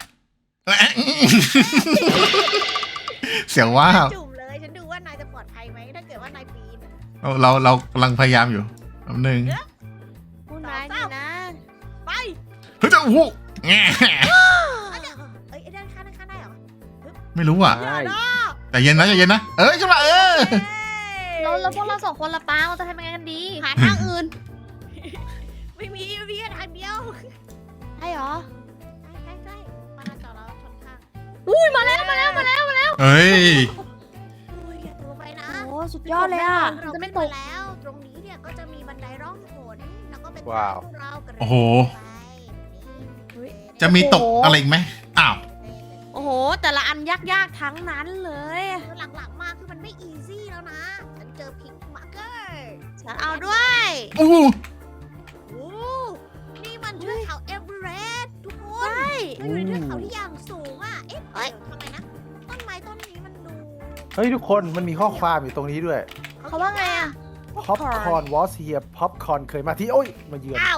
Speaker 4: เสียงว่าบ
Speaker 1: จุ่มเลย ฉันดูว่านายจะปลอดภัยไหมถ้าเกิดว่านายปีน
Speaker 4: เรากำลังพยายามอยู่แป๊บนึง
Speaker 5: นายนี่นะ
Speaker 1: ไป
Speaker 4: เฮ้ยจะโอ้โหแง่
Speaker 1: เอ้ยด้านข้างได้เหรอ
Speaker 4: ไม่รู้อ่ะ
Speaker 2: ใช่
Speaker 4: แต่เย็นนะใจเย็นนะเอ้ยขึ้นมา
Speaker 3: แล้วพวกเรา2 คนละป้าเราจะทำยังไงกันดี
Speaker 5: หาทางอื่น
Speaker 1: ไม่มีแค่ทางเดียว
Speaker 5: ใช่เหรอ
Speaker 1: ใช่มาจอดแล้วชนข้าง
Speaker 3: อุ้ยมาแล้ว
Speaker 4: เฮ้ย
Speaker 1: อุ้ยอย่าตัวไปนะ
Speaker 5: โอ้สุดยอดเลยอ่ะ
Speaker 1: เรา
Speaker 3: จะไม่
Speaker 1: ขึ้น
Speaker 3: ต
Speaker 1: มาก แล้ว ตรงนี้เนี่ยก็จะมีบันไดร่องหนแล้วก็เป็น
Speaker 2: ว้าว
Speaker 1: ทางเรากระโดด
Speaker 4: โอ้โห
Speaker 1: ไป
Speaker 4: จะมีตกอะไรอีกไหมอ้าว
Speaker 5: โอ้โห แต่ละอันยากๆทั้งนั้นเลย
Speaker 1: คือหลังๆมาคือมันไม่อีซี่แล้วนะ ฉันเจอพิงค์มาร์เกอร์
Speaker 5: ฉันเอาด้วย
Speaker 4: อู้
Speaker 1: โอ้นี่มันเทือกเขาเอเวอเรสต์ทุกคน
Speaker 5: ใช่
Speaker 1: เราอยู่ในเทือกเขาที่อย่างสูงอ่ะ เอ๊ะ
Speaker 5: เอ้ย
Speaker 1: ทำไมนะ ต้นไม้ต้นนี้มันดู
Speaker 2: เฮ้ยทุกคนมันมีข้อความอยู่ตรงนี้ด้วย
Speaker 3: เขาว่าไงอ่ะ
Speaker 2: Popcorn was here Popcorn เคยมาที่โอ้ยมาเยือน
Speaker 1: อ้าว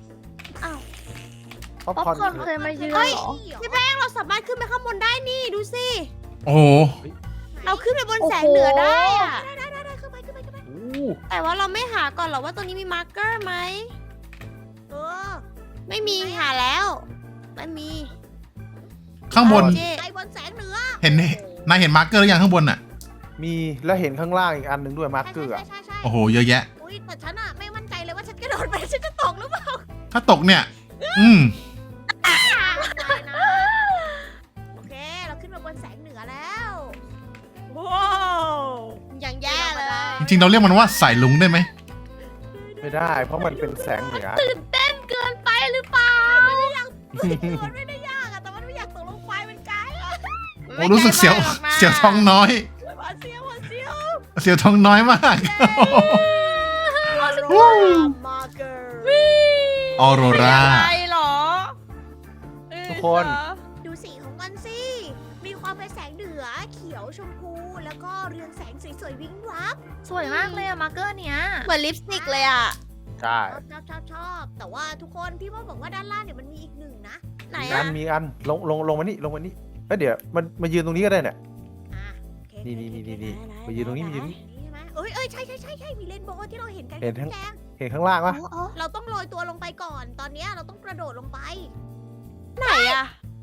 Speaker 3: ป๊อป
Speaker 2: Popcorn
Speaker 3: คอร์น
Speaker 2: เค
Speaker 3: เค
Speaker 2: ย
Speaker 3: ยมาเยือน
Speaker 1: เฮ้ย
Speaker 3: เหรอ
Speaker 5: พี่แป้งเราสามารถขึ้นไปข้างบนได้นี่ดูสิ
Speaker 4: โอ้โห
Speaker 5: เราขึ้นไปบนแสงเหนือได้อะ
Speaker 1: ได้ขึ้นไป
Speaker 2: อู้
Speaker 5: แต่ว่าเราไม่หาก่อนเหรอว่าตรงนี้มีมาร์กเกอร์ไหม
Speaker 1: เออ
Speaker 5: ไม่มีหาแล้ว ไม่มี
Speaker 4: ข้างบน
Speaker 5: เจ๊
Speaker 1: ไปบนแสงเหนือ
Speaker 4: เห็นนายเห็นมาร์กเกอร์หรือยังข้างบนอ่ะ
Speaker 2: มีแล้วเห็นข้างล่างอีกอันหนึ่งด้วยมาร์กเกอร์อะ
Speaker 1: ใช่
Speaker 4: โอ้โหเยอะแยะ
Speaker 1: อุ้ยแต่ฉันอะไม่มั่นใจเลยว่าฉันกระโดดไปฉันจะตกหรือเปล่า
Speaker 4: ถ้าตกเนี่ย
Speaker 1: โอเค เราขึ้นมาบนแสงเหนือแล้วว้าว
Speaker 5: อย่างแย่เลย
Speaker 4: จริงๆเราเรียกมันว่าสายลุงได้ไหม
Speaker 2: ไม่ได้ เพราะมันเป็นแสงเหนือ
Speaker 3: ตื่นเต้นเกินไปหรือเปล่า
Speaker 1: มันไม่ได้ยากอะแต่มันไม่อยากตกลงไปมันไกลอะ
Speaker 4: โอ้รู้สึกเสียวท้องน้อย
Speaker 1: หวาดเสียว
Speaker 4: เสียวท้องน้อยมาก
Speaker 1: มาร์เกอร์
Speaker 4: ออโรรา
Speaker 5: อะไรเหรอ
Speaker 2: ทุกคน
Speaker 1: ดูสีของมันสิ มีความเป็นแสงเหนือเขียวชมพู แล้วก็เรืองแสงสวยๆวิ้งวับ
Speaker 3: สวยมากเลยอะมาร์เกอร์เนี้ย
Speaker 5: เหมือนลิปสติกเลยอ่ะ
Speaker 2: ใช่
Speaker 1: ชอบ แต่ว่าทุกคนพี่ว่าบอกว่าด้านล่างเนี่ยมันมีอีกหนึ่งนะ
Speaker 5: ไหน
Speaker 2: มีอั
Speaker 5: อ่ะ
Speaker 2: นมีอันลงมานี่ลงมานี่เอ้ยเดี๋ยวมันมายืนตรงนี้ก็ได้เนี่ย
Speaker 1: อ่ะโอเค
Speaker 2: นี่มายืนตรงนี้มายืนตรงนี้
Speaker 1: ใช่ไหมเอ้ยใช่มีเรนโบว์ที่เราเห็นกัน
Speaker 2: เห็นทั้ง
Speaker 1: แดง
Speaker 2: เห็นข้างล่างปะ
Speaker 1: เราต้องโรยตัวลงไปก่อน ตอนเนี้ยเราต้องกระโดดลงไป
Speaker 5: ไหนอ่ะ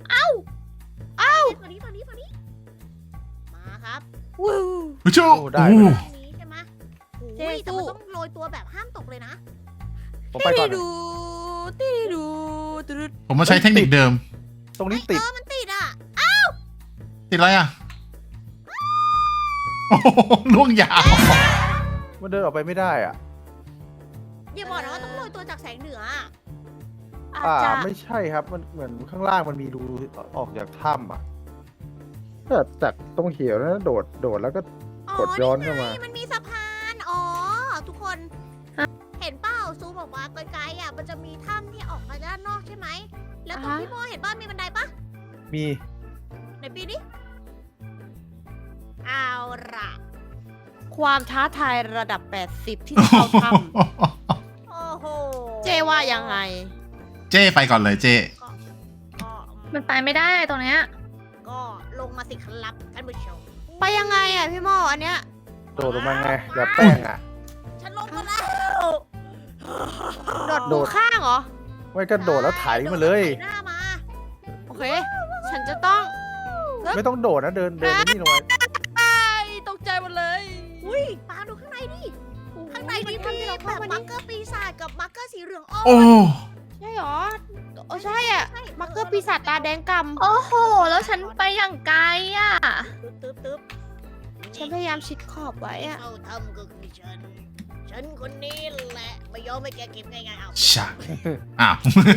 Speaker 1: ฝั่งนี้มาครับ
Speaker 5: วู้
Speaker 4: ผู้ชู
Speaker 2: โอ้ได้
Speaker 4: โอ้
Speaker 2: เลย
Speaker 1: ตรงนี้ใช่ไหมโอ้ย
Speaker 5: เจ๊
Speaker 1: แต่
Speaker 5: สู้
Speaker 1: มันต้องโรยตัวแบบห้ามตกเลยนะ
Speaker 2: ผมไปก่อน
Speaker 5: ดูตีดูดู
Speaker 4: ผมมาใช้เทคนิคเดิม
Speaker 2: ตรงนี้ติด
Speaker 1: มันติดอ่ะ
Speaker 4: ติดอะไรอ่ะ โอ้โหล่วงยาว
Speaker 2: มันเดินออกไปไม่ได้อ่ะ
Speaker 1: อย่าบอกนะว่าต้องโรยตัวจากแสงเหนืออะ
Speaker 5: อาจจะ
Speaker 2: ไม่ใช่ครับ มันเหมือนข้างล่างมันมีรูออกจากถ้ำอ่ะก็จากตรงเหี่ยวนะโดดแล้วก็ กดย้อนเข้ามา
Speaker 1: ไงมันมีสะพาน อ๋อ ทุกคน เห็นเปล่าซูมออกมาไกลๆอ่ะ มันจะมีถ้ำที่ออกมาด้านนอกใช่ไหม แล้วตรงพี่โมเห็นบ้านมีบันไดปะ
Speaker 2: มี
Speaker 1: ในปีนี้เอาล่ะ
Speaker 5: ความท้าทายระดับ 80 ที่จะเข้าถ้
Speaker 1: โอ้โห
Speaker 5: ำเจว่ายังไง
Speaker 4: เจ้ไปก่อนเลยเจ้
Speaker 1: ก็
Speaker 3: มันไปไม่ได้ตรงเนี้ย
Speaker 1: ก็ลงมาสิครับท่านผู้ชม
Speaker 5: ไปยังไงอ่ะพี่โมอันเนี้ย
Speaker 2: โดดลงมาไงแบบแป้งอ่ะ
Speaker 1: ฉันลงมาแล้ว
Speaker 5: โดด
Speaker 2: โด
Speaker 5: ดู
Speaker 2: ด
Speaker 5: ข้างเหรอ
Speaker 2: ไม่ก็โดดแล้วไถมาเลย
Speaker 1: ไถหน้ามา
Speaker 5: โอเค ฉันจะต้อง
Speaker 2: ไม่ต้องโดดนะเดินนี่ลงไป
Speaker 5: ไอ้ตกใจหมดเลย
Speaker 1: อุ้ยปาดูข้างในดิ ข้างในนี่มีแบบมาร์เกอร์ปีศาจกับมาร์เกอร์สีเหลืองอ่อน
Speaker 4: โอ้
Speaker 5: ใช่เหรอโอ้ใช่อ่ะ มาร์เกอร์ปีศาจตาแดงกำ
Speaker 3: โอ้โห แล้วฉันไปอย่างไกลอ่ะ
Speaker 1: ตึ๊บ
Speaker 5: ฉันพยายามชิดขอบไว้อ่ะ
Speaker 1: เข้าทำก็คือฉันคนนี้แหละไม่ยอมให้แกเก็บง่ายๆเอา
Speaker 4: ชะอ้าว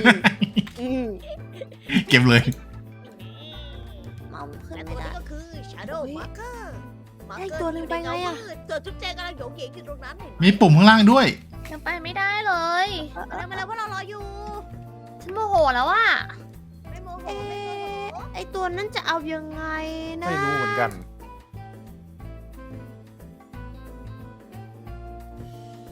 Speaker 4: เก็บเลย
Speaker 5: เมาขึ้น
Speaker 1: และ
Speaker 5: ไม่
Speaker 1: ตัว
Speaker 5: ได้
Speaker 1: นี้ก็คือ Shadow
Speaker 5: เฮ้ย
Speaker 1: Marker
Speaker 5: ไอ้ตัวหนึ่งไปไงอะ
Speaker 1: เกิดจุ๊บแจงกำลังโยงเหยงอยู่ตรงนั้นเห็นไหม
Speaker 4: มีปุ่มข้างล่างด้วย
Speaker 3: ยังไปไม่ได้เลย
Speaker 1: มาแล้วว่าเรารออยู่
Speaker 3: ฉันโมโหแล้วอ่ะ
Speaker 1: ไม่โมโห
Speaker 5: เอ๊
Speaker 1: ไม่โมโห
Speaker 5: ะไอตัวนั้นจะเอายังไงนะ
Speaker 2: ไม่รู้เหมือนกัน